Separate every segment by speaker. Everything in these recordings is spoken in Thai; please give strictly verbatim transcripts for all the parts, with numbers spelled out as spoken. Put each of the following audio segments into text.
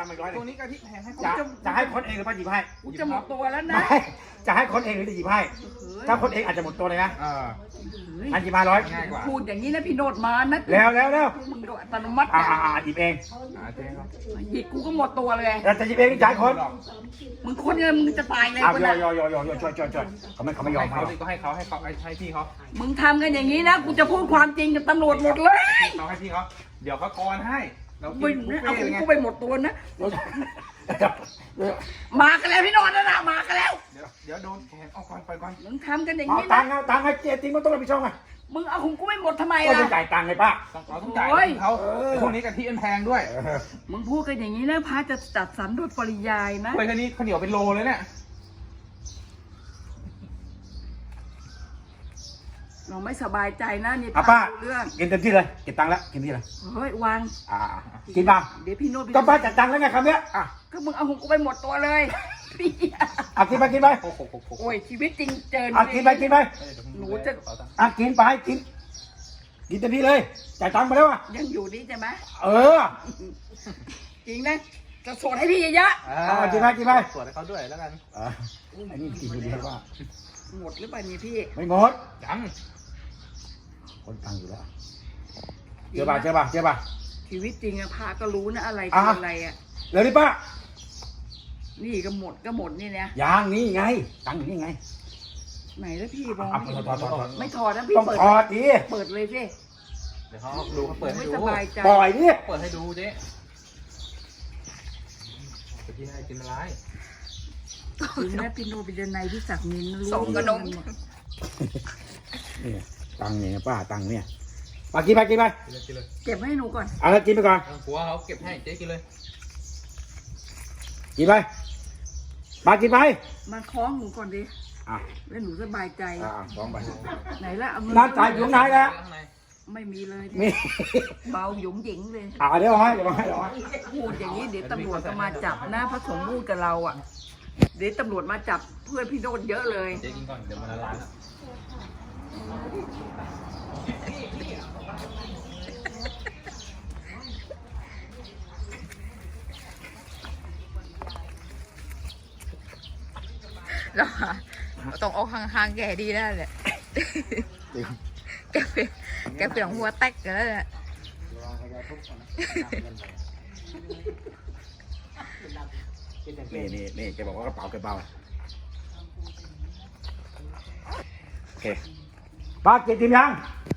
Speaker 1: มาร้อย
Speaker 2: ตัวนี้กะทิแพงให้
Speaker 1: จะจะให้คนเองหรือป้าหยิบให้
Speaker 3: กูจะหมดตัวแล้วนะ
Speaker 1: ไม่จะให้คนเองหรือจะหยิบให้ถ้าคนเองอาจจะหมดตัวเลยนะ
Speaker 2: เออ
Speaker 1: อันหยิบมาร้อย
Speaker 2: ง่ายกว่า
Speaker 3: พูดอย่างนี้นะพี่โนดมานะ
Speaker 1: แล้วแล้วแล้ว
Speaker 3: มึงโดนอัตโนมัติ
Speaker 1: อ่า
Speaker 3: อะ
Speaker 1: อ่าหยิบเอง
Speaker 2: อ่าเจ๊ครับ
Speaker 3: หยิบกูก็หมดตัวเลย
Speaker 1: เราจะหยิบเองจ่ายคน
Speaker 3: มึงคนเงินมึงจะตายเลย
Speaker 1: เอา
Speaker 3: คน
Speaker 1: ยอ
Speaker 3: น่ะ
Speaker 1: ยอยอยอยช่วยช่วยช่วยเขาไม่เขาไม่ยอ
Speaker 2: ให้
Speaker 1: ม
Speaker 2: เขา
Speaker 1: ให้
Speaker 2: ดิก็ให้เขาให้เขาให้พี่เขา
Speaker 3: มึงทำกันอย่างนี้นะกูจะพูดความจริงกับตำรวจหมดเลย
Speaker 2: เขาให้พี่เขาเดี๋ยวเขากรให้เรากิ
Speaker 3: ไม่
Speaker 2: นบุฟ
Speaker 3: เอา
Speaker 2: เฟ่ต์เลยไง
Speaker 3: กูไปหมดตัวนะมากันแล้วพี่โนดนะนะมากันแล้ว
Speaker 2: เดี๋ยวเดี๋ยวโดนแขนเอาก่อนไปก่อน
Speaker 3: มึงทำกันอย่าง
Speaker 1: เอา
Speaker 3: นี้
Speaker 1: ตั
Speaker 3: นะ
Speaker 1: งค์เอาตังค์ให้เจ๊จริงมันต้องรับผิดชอบไง
Speaker 3: มึงเอาของกูไม่หมดทำไม
Speaker 1: ก็
Speaker 3: ล่ะ
Speaker 1: ต้องจ่ายตังค์ไงป้า
Speaker 2: ต้องเราต้องจ่าย
Speaker 3: โอ้ย
Speaker 2: เขา
Speaker 1: เออ
Speaker 2: พวกนี้กะทิมันแพงด้วย
Speaker 3: มึงพูดกันอย่างนี้นะพระจะจัดสรรโดยปริยายนะ
Speaker 2: เฮ้ยแค่นี้ข้าวเหนียวเป็นโลเลยเนี่ย
Speaker 3: เราไม่สบายใจนะนี่
Speaker 1: อ่ะป้า
Speaker 3: เรื่อง
Speaker 1: กินเต็มที่เลยเก็บตังค์แล้วกินที่เลย
Speaker 3: เฮ้ยวาง
Speaker 1: อ่ากินบ้าง
Speaker 3: เดี๋ยวพี่โนด
Speaker 1: ก็ป้าจัดตังค์แล้วไงคำเนี้ยอ่ะ
Speaker 3: ก็มึงเอาของกูไปหมดตัวเลยพี่
Speaker 1: อ่ะกินไปกินไป
Speaker 2: โอ้โหโอ้โห
Speaker 3: โอ้ยชีวิตจริงเจอ
Speaker 1: อ่ะกินไปกินไป
Speaker 3: หนูจะ
Speaker 1: อ่ะกินไปกินกินเต็มที่เลยจ่ายตังค์ไปแล้วอ่ะ
Speaker 3: ยังอยู่นี่ใช่ไหม
Speaker 1: เออ
Speaker 3: จริงนะจะสวดให้พี่เยอะ
Speaker 1: เอามากินไปกินไป
Speaker 2: สวดให้เขาด้วยแล้วกัน
Speaker 1: อ่ะอันนี้กินคนเดียวว่า
Speaker 3: ๆหมดหรือเปล่าเนี่ยพี่
Speaker 1: ไม่หมด
Speaker 2: ยัง
Speaker 1: คนตังค์อยู่แล้วเจอป่ะเจอป่ะเจอป่ะ
Speaker 3: ชีวิตจริงอะพาก็รู้นะอะไร
Speaker 1: อ่ะ
Speaker 3: คืออะไรอะ
Speaker 1: เร็วดิป้า
Speaker 3: นี่ก็หมดก็หมดนี่นะ
Speaker 1: ยางนี่ไงตังค์อยู่นี่ไง
Speaker 3: ไหนแล้วพี่มอง
Speaker 1: อ่ะ
Speaker 3: ไม่
Speaker 1: ถอดถอดถอด
Speaker 3: ไม่ถอดนะพี่
Speaker 1: ต้อง
Speaker 3: เปิด
Speaker 1: ถอดดิ
Speaker 3: เปิดเลยสิ
Speaker 2: เดี๋ยวเขาดูเขาเปิดให้
Speaker 3: ไม่
Speaker 2: ดู
Speaker 3: สบายใจ
Speaker 1: ปล่อยดิ
Speaker 2: เปิดให้ดูเจ๊กะทิให้กินอะไร
Speaker 3: จริงนะพี่โนบิดนัยพี่ศักดิ์นินรู้
Speaker 4: ส่งกระนม
Speaker 1: นี่ตังค์เนี่ยป้าตังค์เนี่ยป้ากินไปกินไป
Speaker 2: กินเลยกินเลย
Speaker 3: เก็บไว้ให้หนูก่อน
Speaker 1: เอาแล้วกินไปก่อน
Speaker 2: ผัวเขาเก็บให้เจ๊กินเลย
Speaker 1: กินไปป้ากินไป
Speaker 3: มาคล้องหนูก่อนดิ
Speaker 1: อ่ะ
Speaker 3: แล้วหนูสบายใจ
Speaker 1: อ่ะอ่ะสองไป
Speaker 3: ไหนละเอามื
Speaker 1: น้ำจ่ายอยู่ไหนแล้ว
Speaker 2: ข้างใน
Speaker 3: ไม่มีเลย
Speaker 1: นี่
Speaker 3: เบาหยุมหยิงเลย
Speaker 1: อ่าเดี๋ยวเอาให้เดี๋ยวเอาให้เดี๋ยวเอาให้
Speaker 3: พูดอย่างนี้เดี๋ยวตำรวจก็มาจับนะพระสงฆ์พูดกับเราอ่ะ เดี๋ยวตำรวจมาจับเพื่อนพี่โนดเยอะเลย
Speaker 2: เจ๊กินก่อนเดี๋ยวมันละลายแล้ว
Speaker 4: เราต้องเอาห่างๆแกดีแล้วแหละแกเป็นแกเป็นหัวแตกกันแล้วแหละ
Speaker 1: นี่นี่นี่แกบอกว่ากระเป๋าแกเบาโอเคป้าเก็บทีมยัง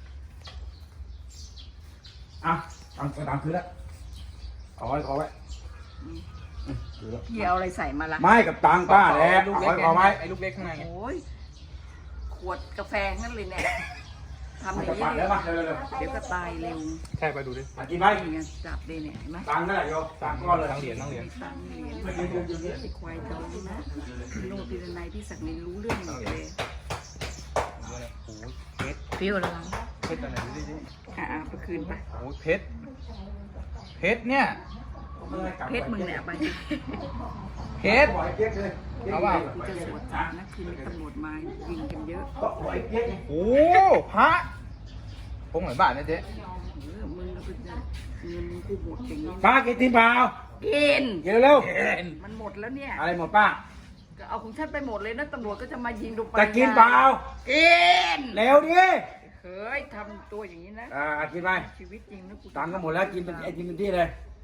Speaker 1: อ่ะตังค์ตังค์คืนแล้วเอาไว้เอาไว้คืนแล้ว
Speaker 3: พี่เอาอะไรใส่มาละ
Speaker 1: ไม่กับตังค์ป้าแหละ
Speaker 2: ลูก
Speaker 1: เอา
Speaker 2: เล็ก
Speaker 1: ไว้เอาไว้
Speaker 2: ไอ้ลูกเล็กข้างในไง
Speaker 3: โอ้ยขวดกาแฟนั่นเลยเนี่ยทำอ
Speaker 1: เอา
Speaker 3: ย่าง
Speaker 1: จะ
Speaker 3: นี้
Speaker 1: ปัด
Speaker 3: ดิ
Speaker 1: เลยมาเร็วเร็ว
Speaker 3: เดี๋ยวก็ตายเร็ว
Speaker 2: ใช่ไปดูดิ
Speaker 1: ๆกินไหม
Speaker 3: นี่ไงจับเลยเนี่ยเห็นไหม
Speaker 1: ตังค์นั่นแหละโยตังค์ก้อนเลย
Speaker 2: ตั้งเหรียญตั้งเหรียญ
Speaker 3: ตังเหรียญไอ้ควายจองนะพี่โนบิดนัยพี่ศักดิ์นินรู้เรื่องหมดเลย
Speaker 2: โอ้โหเพชร
Speaker 4: ฟิวแล้ว
Speaker 2: เพชรอะไรดูดิดิ
Speaker 3: อ่ะเอาไปคืนไป
Speaker 2: โอ้โหเพชรเพชรเนี่ย
Speaker 3: เพชรมึงเนี่ยเอาไป
Speaker 2: เพชร
Speaker 1: ปล่อยเปี๊ยกเลย
Speaker 2: เอาเปล่า
Speaker 3: กูจะสวดจับนะคืนนี้ตำรวจมายิงกันเยอะ
Speaker 1: ก็ปล่อยเปี๊ยกไง
Speaker 2: โอ้พระพงเหมือนบ้านนะเจ๊
Speaker 3: เออมึงก็เป็นเงินมึงกูหมดอย่างนี้
Speaker 1: ป้ากินทีมเปล่า
Speaker 3: กิน
Speaker 1: กินเร็ว
Speaker 3: มันหมดแล้วเนี่ย
Speaker 1: ๆอะไรหมดป้า
Speaker 3: ก็เอาของฉันไปหมดเลยนะตำรวจก็จะมายิงดูไป
Speaker 1: จะกินเปล่า
Speaker 3: กิน
Speaker 1: เร็วดิ
Speaker 3: เฮ้ยทำตัวอย่างนี้นะ
Speaker 1: อ่ากินไป
Speaker 3: ชีวิตจริงนะกู
Speaker 1: ตังค์ก็หมดแล้วกินเป็นไอกินเป็นที่เลย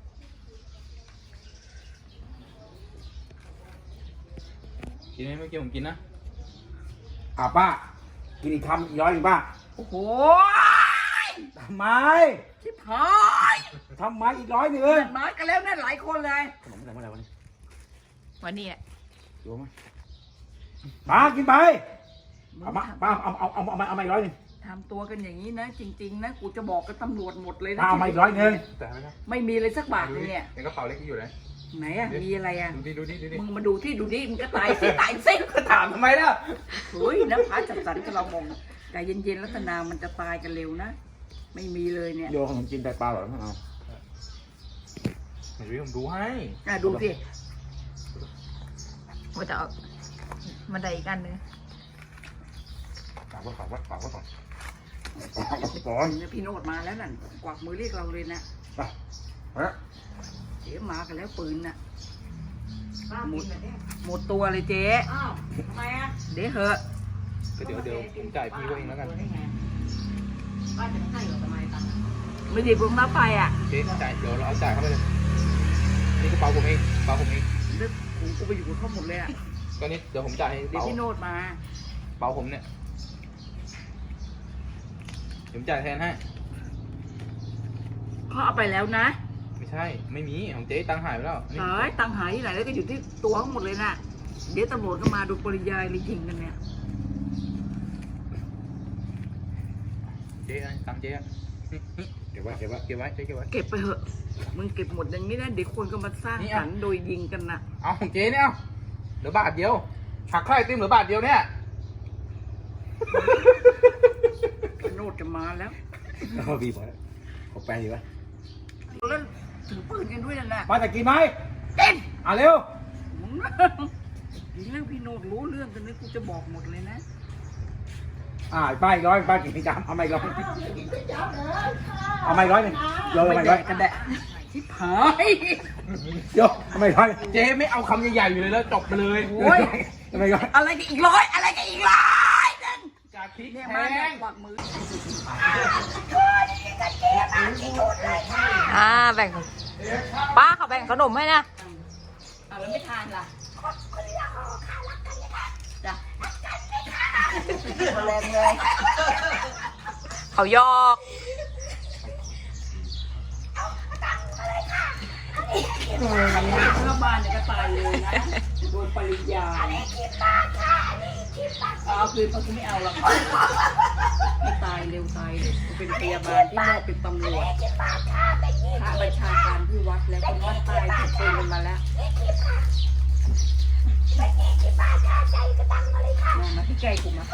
Speaker 2: กินไหมเมื่อกี้ผมกินนะ
Speaker 1: อ่าป้า กินอีกคำอีกร้อยหนึ่งป้า
Speaker 3: โอ้โห
Speaker 1: ทำไม
Speaker 3: ชิบหาย
Speaker 1: ทำไมอีกร้อยหนึ่ง
Speaker 3: เพื่อนมากันแล้วนะหลายคนเลย
Speaker 1: ขนมอะไรเมื่อไหร่วันนี้
Speaker 4: วันนี้แหละ
Speaker 1: ดูไหมป้ากินไปเอามาป้าเอาเอาเอาเอามาเอามาอีกร้อยหนึ่ง
Speaker 3: ทำตัวกันอย่างนี้นะ จริง ๆ นะกูจะบอกกับตำรวจหมดเลยนะ
Speaker 1: ป้าเอามาอีกร้อยหนึ่ง
Speaker 2: แต่ไม่ได้
Speaker 3: ไม่มีเลยสักบาท
Speaker 2: ดู
Speaker 3: เลย
Speaker 2: ดิ
Speaker 3: เนี่ย
Speaker 2: ในกระเป๋าเล็กที่อยู่ไหน
Speaker 3: ไหนอะมีอะไรอะ
Speaker 2: ดูดิดูดิดูดิ
Speaker 3: มึงมาดูที่ดูดิมึงก็ตายสิตายสิ
Speaker 2: ถามทำไมล่ะ
Speaker 3: เฮ้ยนะพระจัดสรรกับเรามองใจเย็นๆลัตนามันจะตายกันเร็วนะ ไม่มีเลยเนี่ย
Speaker 1: โยขนมจีนไตปลาหรอไม่เอา
Speaker 2: เดี๋ยวผมดูให้
Speaker 3: อ่ะดูสิ
Speaker 4: ว่าจะเอามาได้อีกอันนึง
Speaker 1: ฝากไว้ฝากไว้ฝากไว้ก่อนฝากไว้ก่อน
Speaker 3: เนี่ยพี่โนดมาแล้วนั่นกวักมือเรียกเราเลยนะ
Speaker 1: ไปไปแล้ว
Speaker 3: เจ๊มากันแล้วปืนน่ะหมดหมดตัวเลยเจ๊เดี๋ยวเหอะ
Speaker 2: ก็เดี๋ยวเดี๋ยวผมจ่ายพี่เขาเองแล้วกัน
Speaker 3: ไม่ดีผมรับไปอ่ะ
Speaker 2: เจ๊จ่ายเดี๋ยวเราเอาจ่ายเข้าไปเลยนี่กระเป๋าผมเองกระเป๋าผมเอง
Speaker 3: เรื่องกูกูไปอยู่กับเขาหมดเลยอ่ะ
Speaker 2: ก็นี่เดี๋ยวผมจ่ายให้
Speaker 3: เดี๋ยว
Speaker 2: เป๋า
Speaker 3: พี่โนดมา
Speaker 2: เป๋าผมเนี่ยเดี๋ยวผมจ่ายแทนให้
Speaker 3: เขาเอาไปแล้วนะ
Speaker 2: ไม่ใช่ไม่มีของเจ๊ตังค์หายไปแล้วนี่
Speaker 3: เฮ้ยตังหายที่ไหนแล้วก็อยู่ที่ตัวเขาหมดเลยน่ะเดี๋ยวตำรวจก็มาดูปริยายเลยยิงกันเนี่ย
Speaker 2: เจ๊ตังค์เจ๊อะนี่นี่
Speaker 1: เก็บไว้เก็บไว้
Speaker 2: เก็บไว้เจ๊เก็บไว้
Speaker 3: เก็บไปเหอะมึงเก็บหมดอย่างนี้นะเดี๋ยวคนก็มาสร้างสรรค์โดยยิงกันน่ะ
Speaker 2: เอาของเจ๊เนี่ยเอาเหลือบาทเดียวหักค่าไอติมเหลือบาทเดียวเนี่ย
Speaker 3: พี่โนดจะมาแล้ว
Speaker 1: เอาพี่พอแล้วขอแปลงดีวะ
Speaker 3: แล้วถือปืนกันด้วยนั่นแหละ
Speaker 1: มาแต่กินไหม
Speaker 3: เต้น
Speaker 1: อ่ะเร็ว
Speaker 3: มึงยิงเรื่องพี่โนดรู้เรื่องกันนี้กูจะบอกหมดเลยนะ
Speaker 1: อ่าป้าอีกร้อยป้ากินไม่จำเอาไม่ร้อยเอาไม่ร้อยหนึ่งโยนเอาไม่ร้อย
Speaker 3: กันแดะชิบหาย
Speaker 1: โยนเอาไม่ร้อย
Speaker 2: เจ๊ไม่เอาคำใหญ่ๆอยู่เลยแล้วจบไปเลย
Speaker 3: โอ้ย
Speaker 1: เอาไม่ร้อย
Speaker 3: อะไรกันอีกร้อยอะไรกันอีกร้อยนึง
Speaker 2: จากพริก
Speaker 3: เนี่ย
Speaker 2: แพ
Speaker 3: มาเนี่ย
Speaker 2: ง
Speaker 3: กวักมือ
Speaker 4: อ่าแบ่งป้าเขาแบ่งขนมให้นะ
Speaker 3: อ่ะแล้วไม่ทานล่ะจ้ะแรงเลย
Speaker 4: เขายอก
Speaker 3: ถ้าบ้านเนี่ยก็ตายเลยนะโดนปริญญาเอาคืนเขาไม่เอาหรอกไม่ตายเร็วตายเร็วกูเป็นพยาบาลที่แม่เป็นตำรวจพระบัญชาการที่วัดแล้วคนวัดตายถูกปืนกันมาแล้วมามาที่ไกลกูมา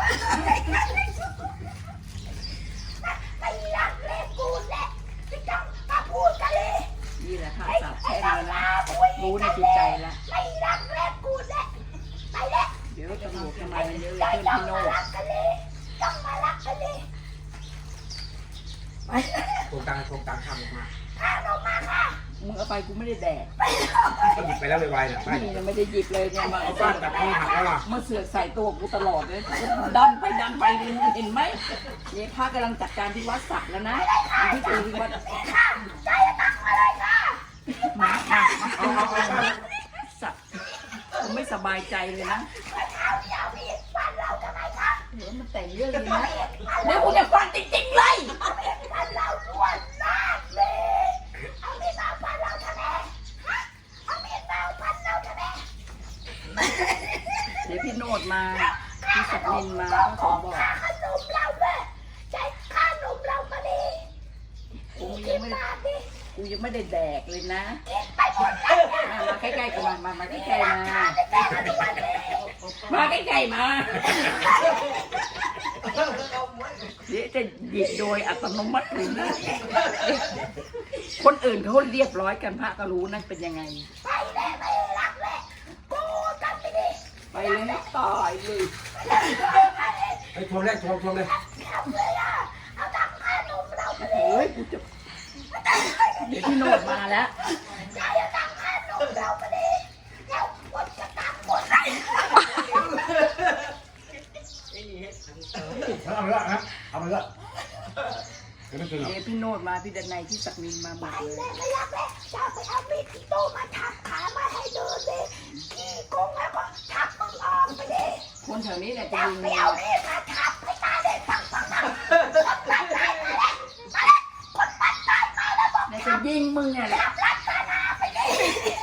Speaker 3: นี่แหละค่ะสาบแช่งแล้วนะรู้ในจิตใจแล้วเดี๋ยวตำรวจจะมาเยอะเลยเพื่อนพี่โน่
Speaker 1: โครงการโครงการทำออกมา
Speaker 3: มึงเอาไปกูไม่ได้แดก
Speaker 1: ก็หยิบไปแล้วไวๆเนี่ยไป
Speaker 3: นี่ยังไม่ได้หยิบเลยเนี่ยมา
Speaker 1: เอา
Speaker 3: เอา
Speaker 1: บ้า
Speaker 3: บ้าน น
Speaker 1: แบบมือหักแล้วล่ะ
Speaker 3: มาเสือกใส่ตัวกูตลอดเลยดันไปดันไปเห็นไหมเนี่ยพระกำลังจัดการที่วัดสักแล้วนะที่เจอที่วัดมามามาสักผมไม่สบายใจเลยนะเดี๋ยวมันแต่งเรื่องนี้นะเดี๋ยวกูจะฟังจริงๆเลยเดี๋ยวพี่โนดมาพี่สักนินมาก็ขอบอกกูยังไม่ได้กูยังไม่ได้แดกเลยนะมามาใกล้ๆกันมามามาใกล้ๆมามาใกล้ๆมาเดี๋ยวจะหยิบโดยอัตโนมัติเลยนะคนอื่นเขาเรียบร้อยกันพระก็รู้นั่นเป็นยังไงไปเลยนะตายเลย
Speaker 1: ไปทวงเลยทวงทวงเลย
Speaker 3: โอ้ยกูจะเดี๋ยวพี่โนดมาแล้ว
Speaker 1: เอาไปละนะเอาไปละเดี๋ยวไม่กินหรอก
Speaker 3: เดี๋ยวพี่โนดมาพี่ดันในพี่ศักดินมาหมดเลยคนแถวนี้แหละจะยิงเมียเนี่ยจะยิงมึงเนี่ยแหละ